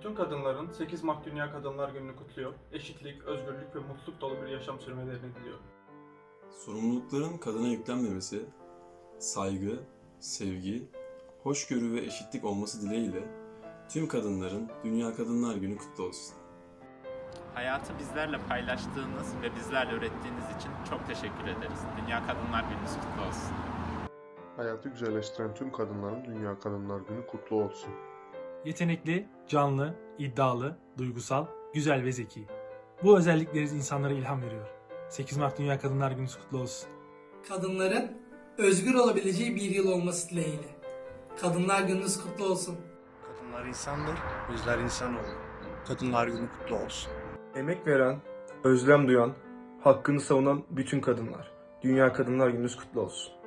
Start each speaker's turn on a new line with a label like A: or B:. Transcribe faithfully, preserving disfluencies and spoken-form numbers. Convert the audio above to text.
A: Tüm kadınların sekiz Mart Dünya Kadınlar Günü'nü kutluyor. Eşitlik, özgürlük ve mutluluk dolu bir yaşam sürmelerini diliyor.
B: Sorumlulukların kadına yüklenmemesi, saygı, sevgi, hoşgörü ve eşitlik olması dileğiyle tüm kadınların Dünya Kadınlar Günü kutlu olsun.
C: Hayatı bizlerle paylaştığınız ve bizlerle öğrettiğiniz için çok teşekkür ederiz. Dünya Kadınlar Gününüz kutlu olsun.
D: Hayatı güzelleştiren tüm kadınların Dünya Kadınlar Günü kutlu olsun.
E: Yetenekli, canlı, iddialı, duygusal, güzel ve zeki. Bu özellikleriniz insanlara ilham veriyor. sekiz Mart Dünya Kadınlar Günü kutlu olsun.
F: Kadınların özgür olabileceği bir yıl olması dileğiyle. Kadınlar Gününüz kutlu olsun.
G: Kadınlar insandır, bizler insanoğlu. Kadınlar Günü kutlu olsun.
H: Emek veren, özlem duyan, hakkını savunan bütün kadınlar. Dünya Kadınlar Gününüz kutlu olsun.